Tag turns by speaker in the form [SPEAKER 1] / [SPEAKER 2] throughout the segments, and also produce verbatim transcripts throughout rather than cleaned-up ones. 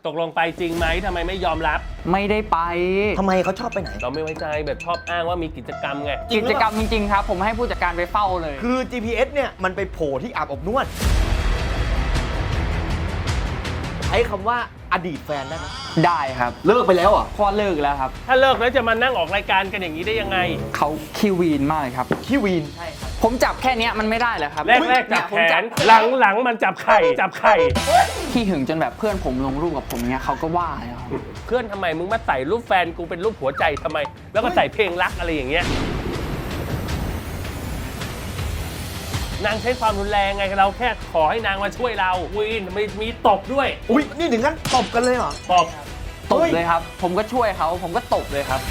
[SPEAKER 1] ตกลงไปจริงไหมทำไมไม่ยอมรับ
[SPEAKER 2] ไม่ได้ไป
[SPEAKER 3] ทำไมเขาชอบไปไหน
[SPEAKER 1] เราไม่ไว้ใจแบบชอบอ้างว่ามีกิจกรรมไง
[SPEAKER 2] กิจกรรมจริงๆครับผมให้ผู้จัดการไปเฝ้าเลย
[SPEAKER 3] คือ จี พี เอส เนี่ยมันไปโผล่ที่อาบอบนวดใช้คำว่าอดีตแฟนได้ไหม
[SPEAKER 2] ได้ครับ
[SPEAKER 3] เลิกไปแล้วอ่ะ
[SPEAKER 2] พอเลิกแล้วครับ
[SPEAKER 1] ถ้าเลิกแล้วจะมานั่งออกรายการกันอย่างนี้ได้ยังไง
[SPEAKER 2] เขาขี้วีนมากเลยครับ
[SPEAKER 3] ขี้วีน
[SPEAKER 2] ใช่ครับผมจับแค่นี้มันไม่ได้เหรอครับ
[SPEAKER 1] แรกแรกจับแขนหลังหลังมันจับไข่จับไข่
[SPEAKER 2] ขี้หึงจนแบบเพื่อนผมลงรูปกับผมเนี้ยเขาก็ว่าเลยครับ
[SPEAKER 1] เพื่อนทำไมมึงมาใส่รูปแฟนกูเป็นรูปหัวใจทำไมแล้วก็ใส่เพลงรักอะไรอย่างเงี้ยนางใช้ความรุนแรงไงเราแค่ขอให้นางมาช่วยเราวีนมีมีตบด้วย
[SPEAKER 3] อุ้ยนี่ถึงขั้นตบกันเลยเหรอ
[SPEAKER 1] ตบ
[SPEAKER 2] ตบเลยครับผมก็ช่วยเขาผมก็ตบเลยครับ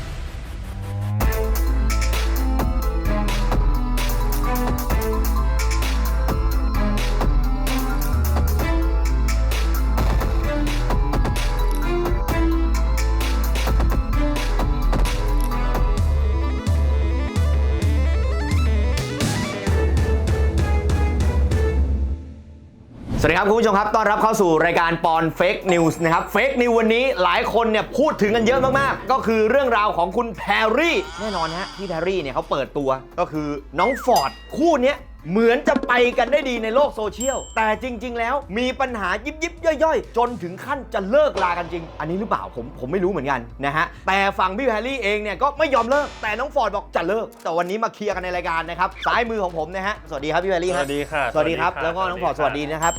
[SPEAKER 3] สวัสดีครับคุณผู้ชมครับต้อนรับเข้าสู่รายการปอนเฟกนิวส์นะครับเฟกนิววันนี้หลายคนเนี่ยพูดถึงกันเยอะมากๆก็คือเรื่องราวของคุณแพรรี่แน่นอนฮะที่แพรรี่เนี่ยเขาเปิดตัวก็คือน้องฟอร์ดคู่นี้เหมือนจะไปกันได้ดีในโลกโซเชียลแต่จริงๆแล้วมีปัญหายิบยิบย่อยๆจนถึงขั้นจะเลิกลากันจริงอันนี้หรือเปล่าผมผมไม่รู้เหมือนกันนะฮะแต่ฝั่งพี่แพรรี่เองเนี่ยก็ไม่ยอมเลิกแต่น้องฟอร์ดบอกจะเลิกแต่วันนี้มาเคลียร์กันในรายการนะครับซ้ายมือของผมนะฮะสวัสดีครับพี่แพรรี่
[SPEAKER 1] สวัสดีค่ะ
[SPEAKER 3] สวัสดีครับแล้วก็น้องฟอร์ดสวัสดีนะครับ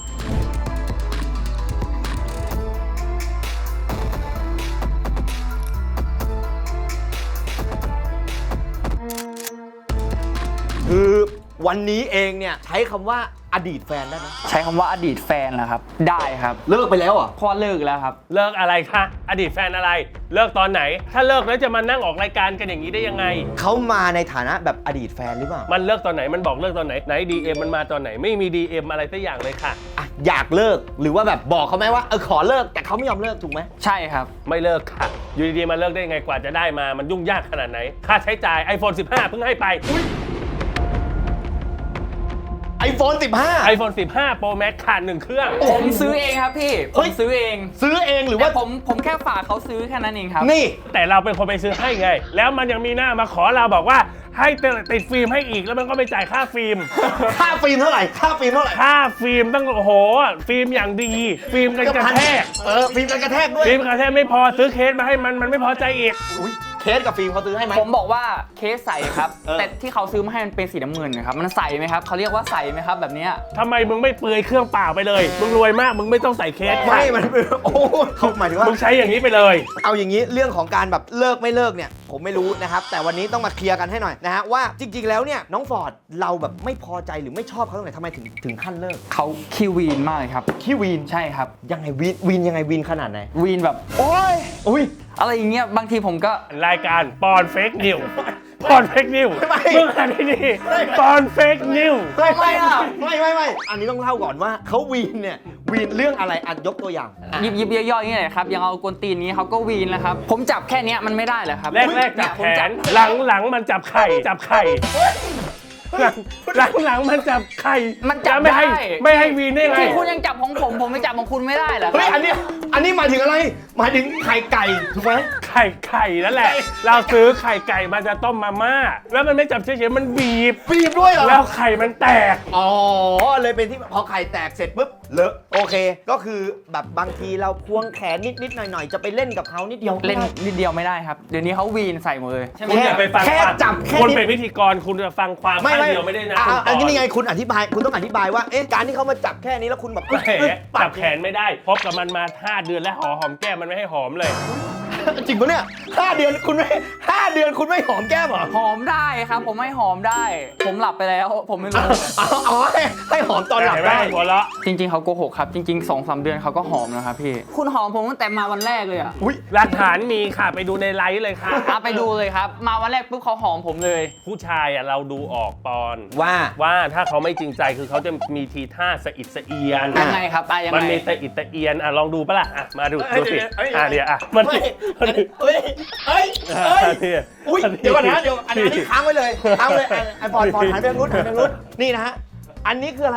[SPEAKER 3] คือวันนี้เองเนี่ยใช้คำว่าอดีตแฟนได้ไหม
[SPEAKER 2] ใช้คำว่าอดีตแฟนเหรอครับได้ครับ
[SPEAKER 3] เลิกไปแล้วอ่ะ
[SPEAKER 2] พอเลิกแล้วครับ
[SPEAKER 1] เลิกอะไรคะอดีตแฟนอะไรเลิกตอนไหนถ้าเลิกแล้วจะมานั่งออกรายการกันอย่างนี้ได้ยังไง
[SPEAKER 3] เขามาในฐานะแบบอดีตแฟนหรือเปล่า
[SPEAKER 1] มันเลิกตอนไหนมันบอกเลิกตอนไหนไหน ดี เอ็ม มันมาตอนไหนไม่มี ดี เอ็ม อะไรสักอย่างเลยค่ะ
[SPEAKER 3] อ่ะอยากเลิกหรือว่าแบบบอกเขาไหมว่าเออขอเลิกแต่เขาไม่ยอมเลิกถูกไหม
[SPEAKER 2] ใช่ครับ
[SPEAKER 1] ไม่เลิกค่ะอยู่ดีๆมาเลิกได้ยังไงกว่าจะได้มามันยุ่งยากขนาดไหนค่าใช้จ่าย ไอโฟน สิบห้า เพิ่งให้ไป
[SPEAKER 3] ไอโฟน สิบห้า
[SPEAKER 1] ไอโฟน สิบห้า Pro Max ขาดหนึ่งเครื่อง
[SPEAKER 2] ผมซื้อเองครับพี่ผมซื้อเอง
[SPEAKER 3] ซื้อเองหรือว่า
[SPEAKER 2] ผมผมแค่ฝากเขาซื้อแค่นั้นเองครับ
[SPEAKER 3] นี่
[SPEAKER 1] แต่เราเป็นคนไปซื้อให้ไงแล้วมันยังมีหน้ามาขอเราบอกว่าให้ติดฟิล์มให้อีกแล้วมันก็ไม่จ่ายค่าฟิล์ม
[SPEAKER 3] ค่าฟิล์มเท่าไหร่ค่าฟิล์มเท่าไหร่
[SPEAKER 1] ค่าฟิล์มตั้งโอ้โหฟิล์มอย่างดีฟิล์มกันกระแทก
[SPEAKER 3] เออฟิล์มกันกระแทกด้วย
[SPEAKER 1] ฟิล์มกระแทกไม่พอซื้อเคสมาให้มันมันไม่พอใจอีก
[SPEAKER 3] เคสกับฟิล์มเขาซื้อให้ไหม
[SPEAKER 2] ผมบอกว่าเคสใสครับแต่ที่เขาซื้อมาให้มันเป็นสีน้ำเงินนะครับมันใสไหมครับเขาเรียกว่าใสไหมครับแบบนี้
[SPEAKER 1] ทำไมมึงไม่เปลือยเครื่องเปล่าไปเลยมึงรวยมากมึงไม่ต้องใส่เคส
[SPEAKER 3] ไม่มันโอ้เขาหมายถึงว่า
[SPEAKER 1] มึงใช้อย่างนี้ไปเลย
[SPEAKER 3] เอาอย่างนี้เรื่องของการแบบเลิกไม่เลิกเนี่ยผมไม่รู้นะครับแต่วันนี้ต้องมาเคลียร์กันให้หน่อยนะฮะว่าจริงๆแล้วเนี่ยน้องฟอร์ดเราแบบไม่พอใจหรือไม่ชอบเขาตรงไหนทำไมถึงถึงขั้นเลิก
[SPEAKER 2] เขาขี้วีนมากเลยครับ
[SPEAKER 3] ขี้วีน
[SPEAKER 2] ใช่ครับ
[SPEAKER 3] ยังไงวีนวีนยังไงวีนขนาดไหน
[SPEAKER 2] วีนแบบโอ้ย
[SPEAKER 3] อุ้ย
[SPEAKER 2] อะไรอย่างเงี้ยบางทีผมก็
[SPEAKER 1] รายการปอนเฟกนิวปอนเฟกนิวมึงอ่านดีๆปอนเฟกนิว
[SPEAKER 3] ไม่ไม่ไม่ไม่ไม่อันนี้ต้องเล่าก่อนว่าเขาวีนเนี่ยวีนเรื่องอะไรอ่ะยกตัวอย่าง
[SPEAKER 2] ยิบยิบย่อยๆอย่างเงี้ยครับอย่างเอากวนตีนนี้เขาก็วีนแล้วครับผมจับแค่นี้มันไม่ได้เหรอครับ
[SPEAKER 1] แรกแรกจับแขนหลังหลังมันจับไข่จับไข่หลังหลังหลังมันจับไข่
[SPEAKER 2] มันจับ
[SPEAKER 1] ไม่ให้ไม่ให้วีนได้ไง
[SPEAKER 2] คุณยังจับของผมผมไม่จับของคุณไม่ได้เหรอ
[SPEAKER 3] เฮ้ยอันนี้อันนี้หมายถึงอะไรหมายถึงไข่ไก่ถูกไหม
[SPEAKER 1] ไข่ไข่นั่นแหละเราซื้อไข่ไก่มาจะต้มมาม่าแล้วมันไม่จับเฉยๆมันบีบ
[SPEAKER 3] บีบด้วยเหรอ
[SPEAKER 1] แล้วไข่มันแตก
[SPEAKER 3] อ๋อเลยเป็นที่พอไข่แตกเสร็จปุ๊บเลอะโอเคก็คือแบบบางทีเราควงแขนนิดๆหน่อยๆจะไปเล่นกับเขานิดเดียว
[SPEAKER 2] เล่นนิดเดียวไม่ได้ครับเดี๋ยวนี้เขาวีนใส่หมดเลย
[SPEAKER 1] คุณอย่าไปฟัง
[SPEAKER 3] แค่จับแค่
[SPEAKER 1] คุณเป็นพิธีกรคุณจะฟังความไม่เดียวไม่ได้นะ
[SPEAKER 3] อันนี้ไงคุณอธิบายคุณต้องอธิบายว่าเอ๊ะการที่เขามาจับแค่นี้แล้วคุณแบบ
[SPEAKER 1] จับแขนไม่ได้พบกับมันมาห้าเดือนแล้วหอหอมแก้มมันไม่ให้หอมเลย
[SPEAKER 3] จริงปะเนี่ยห้าเดือนคุณไม่ห้าเดือนคุณไม่หอมแก้มเหรอ
[SPEAKER 2] หอมได้ครับผมไม่หอมได้ผมหลับไปแล้วผมไม่รู้
[SPEAKER 3] อ๋อให้หอมตอนหลับได้
[SPEAKER 1] หัวเราะ
[SPEAKER 2] จริงๆเขาโกหกครับจริงๆ สองสาม เดือนเขาก็หอมนะครับพี่คุณหอมผมตั้งแต่มาวันแรกเลยอ่ะ
[SPEAKER 3] อุ้ย
[SPEAKER 1] หลักฐานมีค่ะไปดูในไลฟ์เลยค่ะ
[SPEAKER 2] ไปดูเลยครับมาวันแรกปุ๊บเขาหอมผมเลย
[SPEAKER 1] ผู้ชายอ่ะเราดูออกปอน
[SPEAKER 3] ว่า
[SPEAKER 1] ว่าถ้าเขาไม่จริงใจคือเขาจะมีทีท่าสะอิดสะเอียน
[SPEAKER 2] ยังไงครับยังไง
[SPEAKER 1] มันมีสะอิดสะเอียนอ่ะลองดูปะล่ะอ่ะมาดูดูสิอ่ะเดี๋ยวอ่ะมัน
[SPEAKER 3] เฮ้ยเฮ้ยเฮ้ยอุ้ยเดี๋ยวก่อนนะเดี๋ยวอันนี้ค้างไว้เลยค้างเลยไอ้บอลบอลหันไปทางนู้นหันไปทางนู้นนี่นะฮะอันนี้คืออะไร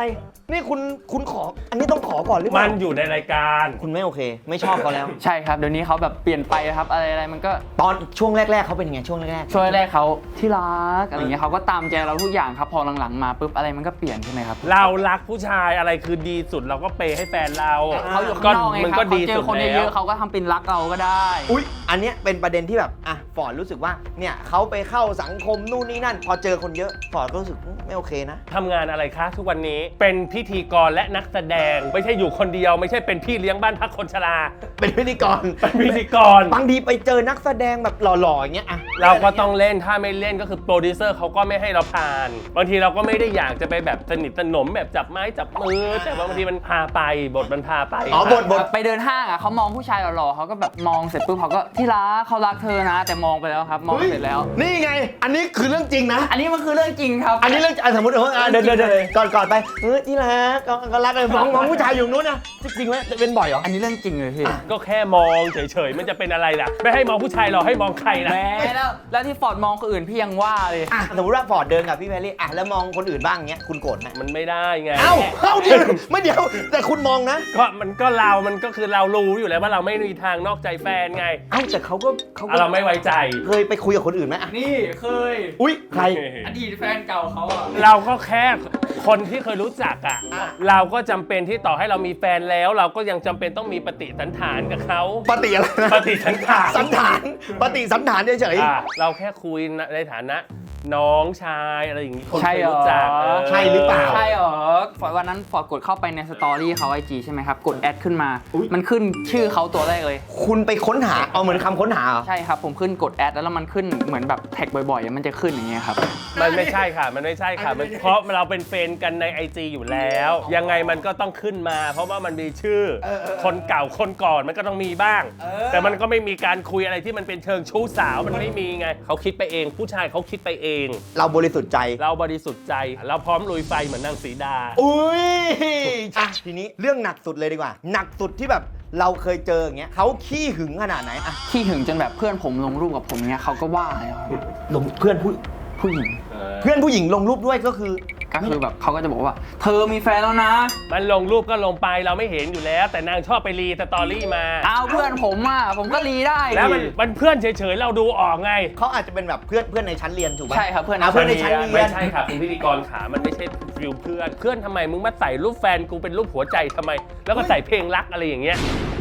[SPEAKER 3] นี่คุณคุณขออันนี้ต้องขอก่อนหรือเป
[SPEAKER 1] มั
[SPEAKER 3] ล่าน
[SPEAKER 1] อยู่ในรายการ
[SPEAKER 3] คุณไม่โอเค ไม่ชอบเขาแล้ว
[SPEAKER 2] ใช่ครับเดี๋ยวนี้เขาแบบเปลี่ยนไปครับอะไรอะไรมันก็
[SPEAKER 3] ตอนช่วงแรก ๆเขาเป็นยังไงช่วงแรก
[SPEAKER 2] ช่วยแรกเขาที่รักอะไรเงี้ยเขาก็ตามใจเราทุกอย่างครับพอหลังๆมาปุ๊บอะไรมันก็เปลี่ยนใช่ไหมครับ
[SPEAKER 1] เรารักผู้ชายอะไรคือดีสุดเราก็เปย์ให้แฟนเรา
[SPEAKER 2] เขาอยู่ข้างนอกไง
[SPEAKER 1] มัน
[SPEAKER 2] ครั
[SPEAKER 1] ก็
[SPEAKER 2] บเขา
[SPEAKER 1] ดี
[SPEAKER 2] เจ
[SPEAKER 1] สุ
[SPEAKER 2] อ
[SPEAKER 1] ด
[SPEAKER 2] คน
[SPEAKER 1] แล้
[SPEAKER 2] เยว อะๆเขาก็ทำเป็นรักเราก็ได้
[SPEAKER 3] ๆอุ๊ยอันเนี้ยเป็นประเด็นที่แบบอ่ะฟอร์ดรู้สึกว่าเนี่ยเขาไปเข้าสังคมนู่นนี่นั่น พอเจอคนเยอะฟอร์ดก็รู้สึกอืมไม่โอเคนะ
[SPEAKER 1] ทำงานอะไรคะทุกวันนี้เป็นพิธีกรและนักแสดงไม่ใช่อยู่คนเดียว ไม่ใช่เป็นพี่เลี้ยงบ้านพักคนชรา
[SPEAKER 3] เป็นพิธีกร
[SPEAKER 1] เป็นพิธีกร
[SPEAKER 3] บางทีไปเจอนักแสดงแบบหล่อๆอย่างเงี้ยอ่ะ
[SPEAKER 1] เราก็ต้องเล่นถ้าไม่เล่นก็คือโปรดิวเซอร์เขาก็ไม่ให้เราผ่าน บางทีเราก็ไม่ได้อยากจะไปแบบสนิทสนมแบบจับไม้จับมือ แต่ว่าบางทีมันพาไปบทมันพาไป
[SPEAKER 3] อ๋อบทบท
[SPEAKER 2] ไปเดินห้างอ่ะเขามองผู้ชายหล่อๆเขาก็แบบมองเสร็จปุ๊บเขาก็ที่รักเขารักเธอนะ แต่มองไปแล้วครับ มองเสร็จแล้ว
[SPEAKER 3] นี่ไง อันนี้คือเรื่องจริงนะ
[SPEAKER 2] อันนี้มันคือเรื่องจริงครับ
[SPEAKER 3] อันนี้เรื่องอ่ะสมมติเอออ่ะเดินเดินเดินก่อนก่อนไปเออที่รักก็ก็รักเลยมองมองผู้ชายอยู่นู้นนะจริงๆไหมเป็นบ่อยเหรอ
[SPEAKER 2] อันนี้เรื่องจริงเลยพี่
[SPEAKER 1] ก็แค่มองเฉยๆมันจะเป็นอะไรล่ะไม่ให้มองผู้ชายหรอกให้มองใครล่ะ
[SPEAKER 2] แหมแล้วแล้วที่ฟอร์ดมองคนอื่นพี่ยังว่าเลย
[SPEAKER 3] อ่ะสมมติว่าฟอร์ดเดินกับพี่แพรรี่อ่ะแล้วมองคนอื่นบ้างเงี้ยคุณโกรธไหม
[SPEAKER 1] มันไม่ได้ไง
[SPEAKER 3] เอ้าเอ้าเดี๋ยวไม่เดี๋ยวแต่คุณมองนะ
[SPEAKER 1] ก็มันก็เรา มันก็คือเรารู้อยู่แล้วว่าเราไม่มีทางนอกใจแฟนไง
[SPEAKER 3] เอ้าแต่เขาก็เขาก็
[SPEAKER 1] เราไม่ไว้ใจ
[SPEAKER 3] เคยไปคุยกับคนอื่นไหมอ่ะ
[SPEAKER 2] นี่เคย
[SPEAKER 3] อุ้ยใคร
[SPEAKER 2] อดีตแฟนเก่าเขาอ่ะ
[SPEAKER 1] เราก็แค่คนที่เคยรู้จักอ่ะ
[SPEAKER 3] อ่ะ
[SPEAKER 1] เราก็จำเป็นที่ต่อให้เรามีแฟนแล้ว เราก็ยังจำเป็นต้องมีปฏิสันฐานกับเขา
[SPEAKER 3] ปฏิอะไรนะ
[SPEAKER 1] ปฏิสันฐาน
[SPEAKER 3] สันฐานปฏิสันฐานเฉย
[SPEAKER 1] อ่ะเราแค่คุยในฐานะ น้องชายอะไรอย่างงี้คน
[SPEAKER 2] ใช่
[SPEAKER 1] เคย
[SPEAKER 2] เหรอ
[SPEAKER 1] รู้จักเออ
[SPEAKER 3] ใช่หรือเปล่า
[SPEAKER 2] ใช่เหรอฟอร์ดวันนั้นฟอร์ดกดเข้าไปในสตอรี่เขาไอจีใช่ไหมครับ กดแอดขึ้นมา มันขึ้นชื่อเขาตัวแรกเลย
[SPEAKER 3] ๆคุณไปค้นหาเอาเหมือนคำค้นหาเหรอ
[SPEAKER 2] ใช่ครับ ผมขึ้นกดแอดแล้วมันขึ้นเหมือนแบบแท็กบ่อยๆ มันจะขึ้นอย่างเงี้ยครับ
[SPEAKER 1] มันไม่ใช่ค่ะ มันไม่ใช่ค่ะมันเพราะเราเป็นเฟรนด์กันใน ไอ จี อยู่แล้ว ยังไงมันก็ต้องขึ้นมา เพราะว่ามันมีชื่อ คนเก่าคนก่อนมันก็ต้องมีบ้าง แต่มันก็ไม่มีการคุยอะไรที่มันเป็นเชิงชู้สาวมันไม่มีไงเขาคิดไปเอง ผู้ชายเขาคิดไปเอง
[SPEAKER 3] เราบริสุทธิ์ใจ
[SPEAKER 1] เราบริสุทธิ์ใจ เราพร้อมลุยไฟเหมือนนางสีดา
[SPEAKER 3] อุ้ยอ่ะทีนี้เรื่องหนักสุดเลยดีกว่า หนักสุดที่แบบเราเคยเจออย่างเงี้ยเขาขี้หึงขนาดไหนอ่ะ
[SPEAKER 2] ขี้หึงจนแบบเพื่อนผมลงรูปกับผมเนี้ยเขาก็ว่าเลยครับ
[SPEAKER 3] ลงเพื่อนผู้
[SPEAKER 2] ผู้หญิง
[SPEAKER 3] เพื่อนผู้หญิงลงรูปด้วยก็คือ
[SPEAKER 2] ก็คือแบบเขาก็จะบอกว่า เธอมีแฟนแล้วนะ
[SPEAKER 1] มันลงรูปก็ลงไปเราไม่เห็นอยู่แล้ว แต่นางชอบไปรีสตอรี่มา
[SPEAKER 2] เอาเพื่อนผมอ่ะผมก็รีได้
[SPEAKER 1] แล้วมันมันเพื่อนเฉยๆเราดูออกไง
[SPEAKER 3] เขาอาจจะเป็นแบบเพื่อนเพื่อนในชั้นเรียนถูกป่ะ
[SPEAKER 2] ใช่ครับเพื่อน
[SPEAKER 3] อ่ะเพื่อนในชั้นเรีย
[SPEAKER 1] ไม่
[SPEAKER 3] น
[SPEAKER 1] ใช่ค่ะคุณพิธีกรขามันไม่ใช่ฟิลเพื่อน เพื่อนทำไมมึงมาใส่รูปแฟนกูเป็นรูปหัวใจทำไม แล้วก็ใส่เพลงรักอะไรอย่างเงี้ย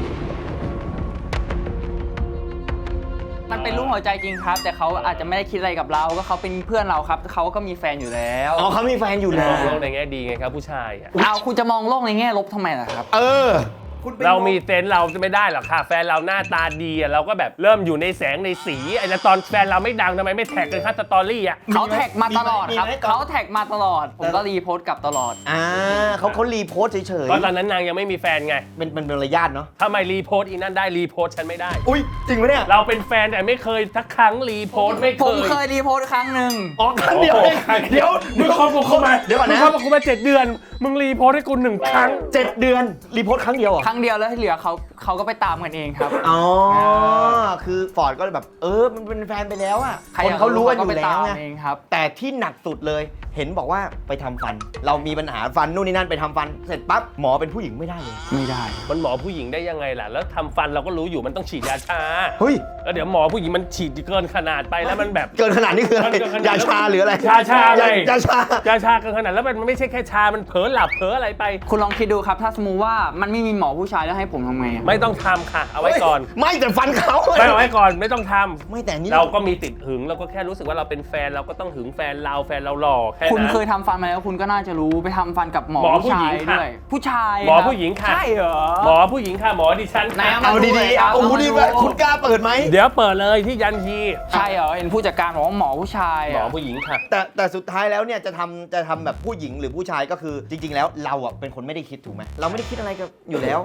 [SPEAKER 2] มันเป็นรูปหัวใจจริงครับ แต่เขาอาจจะไม่ได้คิดอะไรกับเราก็เขาเป็นเพื่อนเราครับเขาก็มีแฟนอยู่แล้ว
[SPEAKER 3] อ๋อเขามีแฟนอยู่
[SPEAKER 1] ม
[SPEAKER 3] แล้
[SPEAKER 1] อ
[SPEAKER 3] ว
[SPEAKER 1] งโลกในแง่ดีไงครับผู้ชายอะ
[SPEAKER 2] เอาคุณจะมองโลกในแง่ลบทำไมล่ะครับ
[SPEAKER 3] เออ
[SPEAKER 1] เรามีเซนส์เราจะไม่ได้หรอกค่ะ แฟนเราหน้าตาดีอะเราก็แบบเริ่มอยู่ในแสงในสีไอ้แล้วตอนแฟนเราไม่ดังทำไมไม่แท็กกันค่าสตอรี่อะ
[SPEAKER 2] เขาแท็กมาตลอดครับ
[SPEAKER 3] มีไหม
[SPEAKER 2] เขาแท็กมาตลอด ผมก็รีโพสต์กลับตลอด
[SPEAKER 3] อ่าเขาเขารีโพสต์เฉย
[SPEAKER 1] เพราะตอนนั้นนางยังไม่มีแฟนไง
[SPEAKER 3] ๆเป็นเป็นเป็นระยะเนาะ
[SPEAKER 1] ทำไมรีโพสต์อีนั่นได้รีโพสต์ฉันไม่ได้
[SPEAKER 3] อุ้ยจริงปะเนี่ย
[SPEAKER 1] เราเป็นแฟนแต่ไม่เคยทักครั้งรีโพสต์ไม่เค
[SPEAKER 2] ผม
[SPEAKER 1] ย
[SPEAKER 2] เคยรีโพสต์ครั้งหนึ่ง
[SPEAKER 3] อ๋อครั้งเดียวเองเดี๋ยว
[SPEAKER 1] มึงคบกับกูมา
[SPEAKER 3] เดี๋ยวก่อน
[SPEAKER 1] มึง
[SPEAKER 3] นะ
[SPEAKER 1] คบกับกูมาเจ็ดเดือน มึงรีโพสต์ให้กูหนึ่งครั้ง
[SPEAKER 3] เจ็ดเดือนรีโพสต์ครั้งเดียวเหรอ
[SPEAKER 2] ครั้งเดียวแล้วที่เหลือเขาเขาก็ไปตามกันเองครับ
[SPEAKER 3] อ๋อ คือฟอร์ดก็เลยแบบ เออ มันเป็นแฟนไปแล้วอ่ะ
[SPEAKER 2] ใคร
[SPEAKER 3] คนเขารู้กันอยู่
[SPEAKER 2] ไป
[SPEAKER 3] แล้ว
[SPEAKER 2] ตาม
[SPEAKER 3] ไง
[SPEAKER 2] เองครับ
[SPEAKER 3] แต่ที่หนักสุดเลย เห็นบอกว่าไปทำฟัน เรามีปัญหาฟันนู่นนี่นั่นไปทำฟัน เสร็จปั๊บหมอเป็นผู้หญิงไม่ได้เลย
[SPEAKER 2] ไม่ได้
[SPEAKER 1] มันหมอผู้หญิงได้ยังไงล่ะ แล้วทำฟันเราก็รู้อยู่มันต้องฉีดยาชา
[SPEAKER 3] เฮ้ย
[SPEAKER 1] แล้วเดี๋ยวหมอผู้หญิงมันฉีดเกินขนาดไปแล้วมันแบบ
[SPEAKER 3] เกินขนาดนี้คืออะไร
[SPEAKER 1] มันเกินขนาด
[SPEAKER 3] ยาชาหรืออะไร
[SPEAKER 1] ชาชาไง
[SPEAKER 3] ยยาชา
[SPEAKER 1] ยาชาเกินขนาดแล้วมันไม่ใช่แค่ชา มันเผลอหลับเผลออะไรไป
[SPEAKER 2] คุณลองคิดดูครับ ถ้าสมมติว่ามันไม่มีหมอผู้ชายแล้วให้ผมทำไงอะ
[SPEAKER 1] ไม่ต้องทำค่ะ เอาไว้ก่อน
[SPEAKER 3] ไม่แต่ฟันเขา
[SPEAKER 1] ไม่เอาไว้ก่อนไม่ต้องทำ
[SPEAKER 3] ไม่แต่นี่
[SPEAKER 1] เราก็มีติดหึงเราก็แค่รู้สึกว่าเราเป็นแฟนเราก็ต้องหึงแฟนเราแฟนเราหล่อแค่
[SPEAKER 2] คุณ
[SPEAKER 1] นั้น
[SPEAKER 2] เคยทำฟันมาแล้วคุณก็น่าจะรู้ไปทำฟันกับหมอ
[SPEAKER 1] หมอ
[SPEAKER 2] ผู้ชาย
[SPEAKER 1] ผู้หญิงค่ะ
[SPEAKER 2] ด้วยผู้ชาย
[SPEAKER 1] หมอ
[SPEAKER 2] ครับ
[SPEAKER 1] ผู้หญิงค่ะ
[SPEAKER 2] ใช่เหรอ
[SPEAKER 1] หมอผู้หญิงค่ะหมอดิฉัน
[SPEAKER 2] ไหน
[SPEAKER 1] ค่ะ
[SPEAKER 2] เอา
[SPEAKER 3] เอาดีๆเอาโอ้โหดีไหมคุณกล้าเปิดไหม
[SPEAKER 1] เดี๋ยวเปิดเลยที่ยันที
[SPEAKER 2] ใช่เหรอเห็นผู้จัดการบอกว่าหมอผู้ชาย
[SPEAKER 1] หมอ
[SPEAKER 2] อะ
[SPEAKER 1] ผู้หญิงค่ะ
[SPEAKER 3] แต่แต่สุดท้ายแล้วเนี่ยจะทำจะทำแบบผู้หญิงหรือผู้ชายก็คือจริง ๆ แล้วเราอ่ะเป็นคนไม่ได้คิดถูกไหมเราไม่ได้คิดอะไรกับอยู่แล้ว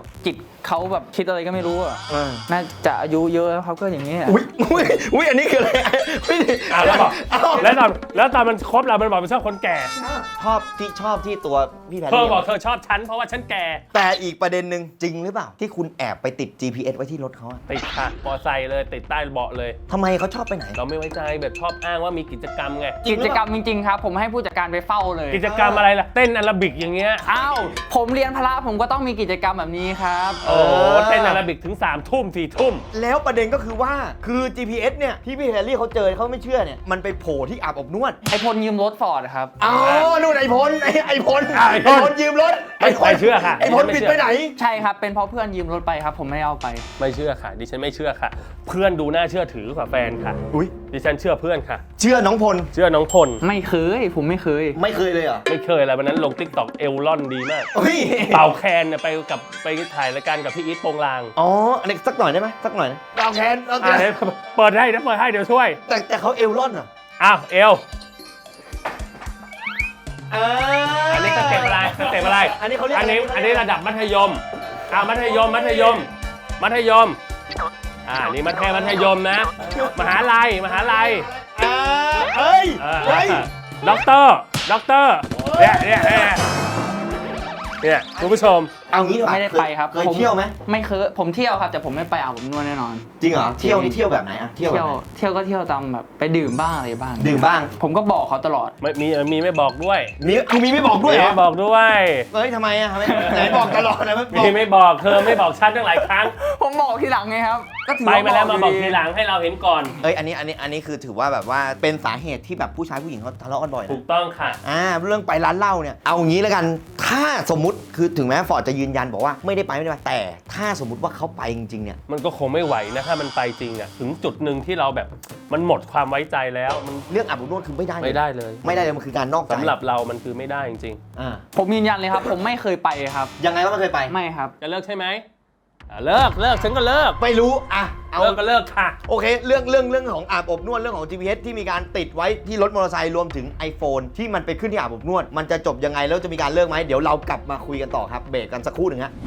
[SPEAKER 2] จิตเขาแบบคิดอะไรก็ไม่รู้อ่ะ
[SPEAKER 3] เออ
[SPEAKER 2] น่าจะอายุเยอะแล้วเขาก็อย่างนี้อะ
[SPEAKER 3] อุ้ยอุ้ยอุ้ยอันนี้คืออะไรไม่ได้
[SPEAKER 1] อ่ะแล้วบอก
[SPEAKER 3] เอ้า
[SPEAKER 1] แล้วตอนแล้วตอนมันคบเรา มันบอกมันชอบคนแก่
[SPEAKER 3] ชอบที่ชอบที่ตัวพี่แพร
[SPEAKER 1] เธอ
[SPEAKER 3] รี่
[SPEAKER 1] บอกเธอชอบฉันเพราะว่าฉันแก่
[SPEAKER 3] แต่อีกประเด็นหนึ่งจริงหรือเปล่า ที่คุณแอบไปติด จี พี เอส ไว้ที่รถเขาอะ
[SPEAKER 1] ติดค่ะมอไซค์เลยติดใต้เบาะเลย
[SPEAKER 3] ทำไมเขาชอบไปไหน
[SPEAKER 1] เราไม่ไว้ใจแบบชอบอ้างว่ามีกิจกรรมไง
[SPEAKER 3] จริงหรือ
[SPEAKER 2] กิจ
[SPEAKER 3] เปล่า
[SPEAKER 2] กรรมจริงๆครับ ผมให้ผู้จัดการไปเฝ้าเลย
[SPEAKER 1] กิจกรรมอะไรล่ะ เต้นอาราบิกอย่างเงี้ย
[SPEAKER 2] อ้าวผมเรียนพละผมก็ต้องมีกิจกรรมแบบนี้ครับ
[SPEAKER 1] โอ้โหเต้นอาราบิกถึง3ามทุ่มสี่ทุ่ม
[SPEAKER 3] แล้วประเด็นก็คือว่าคือ จี พี เอส เนี่ยที่พี่แพรรี่เขาเจอเขาไม่เชื่อเนี่ยมันไปโผล่ที่อาบอบนวด
[SPEAKER 2] ไอพลยืมรถฟอร์ดครับ
[SPEAKER 3] อ๋อนู่นไอพลไอไอพล
[SPEAKER 1] อ่ะไอ้พล
[SPEAKER 3] ยืมรถ
[SPEAKER 1] ไม่ไม่เชื่อค่ะ
[SPEAKER 3] ไอพล
[SPEAKER 1] ไม่
[SPEAKER 3] ปิด
[SPEAKER 1] เชื่อ
[SPEAKER 3] ไปไหน
[SPEAKER 2] ใช่ครับเป็นเพราะเพื่อนยืมรถไปครับ ผมไม่ได้เอาไป
[SPEAKER 1] ไม่เชื่อค่ะ ดิฉันไม่เชื่อค่ะ เพื่อนดูน่าเชื่อถือกว่าแฟนค่ะ
[SPEAKER 3] อุ้ย
[SPEAKER 1] ดิฉันเชื่อเพื่อนค่ะ
[SPEAKER 3] เชื่อน้องพล
[SPEAKER 1] เชื่อน้องพล
[SPEAKER 2] ไม่เคยผมไม่เคย
[SPEAKER 3] ไม่เคยเลยเหรอ
[SPEAKER 1] ไม่เคยอะไรวันนั้นลงติ๊กต็อกเอลลอนดีมาก
[SPEAKER 3] เฮ้ย
[SPEAKER 1] เป่าแคนเนี่ยไปกับไปถ่ายรายการกับพี่อีทโปงลาง
[SPEAKER 3] อ๋ออันนี้สักหน่อยได้ไหมสักหน่อยนะเอาแคนเอาแค
[SPEAKER 1] อ่ะ
[SPEAKER 3] น
[SPEAKER 1] เดี๋ยวเปิดให้นะเปิดให้เดี๋ยวช่วย
[SPEAKER 3] แต่แต่เขาเอลลอนเหรอ
[SPEAKER 1] อ้าวเอล
[SPEAKER 3] อ่า
[SPEAKER 1] อันนี้สเต็ปอะไรสเต็ปอะไร
[SPEAKER 3] อันนี้เขาเรียก
[SPEAKER 1] อันนี้
[SPEAKER 3] อะไร
[SPEAKER 1] อันนี้ระดับมัธยมอ่ามัธยมมัธยม มัธยมอ่านี่มัธยมมัธยมนะ มหาลัยมหาลัย
[SPEAKER 3] อ่าเฮ้ย
[SPEAKER 1] เออ
[SPEAKER 3] เฮ้ย
[SPEAKER 1] ด็อกเตอร์ด็อกเตอร์เนี่ยเนี่ยเนี่ยเนี่ยคุณผู้ชม
[SPEAKER 3] เอางี้ดีกว่า
[SPEAKER 2] ไม่ได้ไปครับ
[SPEAKER 3] เคย
[SPEAKER 2] ผม
[SPEAKER 3] เที่ยวไหม
[SPEAKER 2] ไม่เคยผมเที่ยวครับ แต่ผมไม่ไปอาบอบนวดแน่นอน
[SPEAKER 3] จริงเหรอเที่ยวนี่เที่ยวแบบไหนอะเที่ยวแบบ
[SPEAKER 2] เที่ยว
[SPEAKER 3] ไหน
[SPEAKER 2] เที่ยวก็เที่ยวตามแบบไปดื่มบ้างอะไรบ้าง
[SPEAKER 3] ดื่มบ้าง
[SPEAKER 2] ผมก็บอกเขาตลอด
[SPEAKER 1] ไม่มีมีไม่บอกด้วย
[SPEAKER 3] มีคือมีไม่บอกด้วยเหรอ
[SPEAKER 1] ไม่บอกด้วย
[SPEAKER 3] เฮ้ยทำไมอะทำไมไหนบอกตลอดนะไม่บอก
[SPEAKER 1] มีไม่บอกเธอไม่บอกฉันตั้งหลายครั้ง
[SPEAKER 2] ผมบอกทีหลังไงครับก็ถือ
[SPEAKER 1] ไป
[SPEAKER 2] ว่า
[SPEAKER 1] มาแล้วมาบอก
[SPEAKER 2] ยู่
[SPEAKER 1] ทีหลังให้เราเห็นก่อน
[SPEAKER 3] เอ้ยอันนี้อันนี้อันนี้คือถือว่าแบบว่าเป็นสาเหตุที่แบบผู้ชายผู้หญิงเขาทะเลาะกันบ่อยนะ
[SPEAKER 1] ถูกต้องค่ะ
[SPEAKER 3] อ่าเรื่องไปร้านเหล้าเนี่ยเอางี้แล้วกันถ้าสมมุติคือถึงแม้ฟอร์ดจะยืนยันบอกว่าไม่ได้ไปไม่ได้ไปแต่ถ้าสมมุติว่าเขาไปจริงๆเนี่ย
[SPEAKER 1] มันก็คงไม่ไหวนะถ้ามันไปจริงอ่ะถึงจุดหนึ่งที่เราแบบมันหมดความไว้ใจแล้วมัน
[SPEAKER 3] เรื่องอาบอบนวดคือไม่ได้เลย
[SPEAKER 1] ไม่ได้เลย
[SPEAKER 3] ไม่ได้เลยมันคือการนอกใจ
[SPEAKER 1] สำหรับเรามันคือไม่ได้จริง
[SPEAKER 3] อ่า
[SPEAKER 2] ผมยืนยันเลยครับ ผมไม่เคยไปครับ
[SPEAKER 3] ยังไงก็ไม่เคยไป
[SPEAKER 2] ไม่ครับ
[SPEAKER 1] ๆจะเลิกใช่ไหมอ่ะเลิกเลิกฉันก็เลิก
[SPEAKER 3] ไม่รู้อ่ะเอา
[SPEAKER 1] เลิกก็เลิกค่ะ
[SPEAKER 3] โอเคเรื่องเรื่องเรื่องของอาบอบนวดเรื่องของ จี พี เอส ที่มีการติดไว้ที่รถมอเตอร์ไซค์รวมถึง iPhone ที่มันไปขึ้นที่อาบอบนวด มันจะจบยังไงแล้วจะมีการเลิกไหมเดี๋ยวเรากลับมาคุยกันต่อครับเบรกกันสักครู่หนึ่งฮะ